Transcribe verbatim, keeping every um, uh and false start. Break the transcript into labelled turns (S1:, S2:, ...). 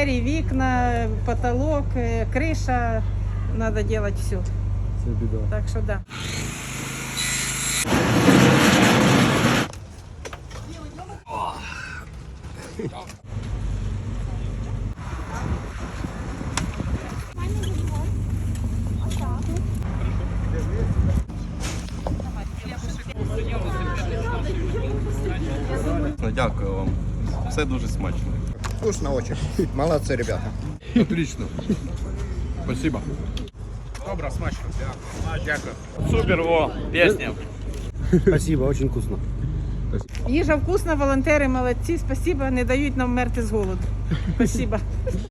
S1: двері, вікна, потолок, е, криша. Треба робити все.
S2: Це біда.
S1: Так що да.
S3: Дякую вам. Все дуже смачно.
S4: Вкусно очень. Молодцы, ребята.
S2: Отлично. Спасибо.
S4: Добро, смачно. Дякую.
S5: Супер, о, песня.
S2: Спасибо, очень вкусно.
S1: Їжа вкусна, волонтери молодці. Спасибо, не дають нам мерти з голоду. Спасибо.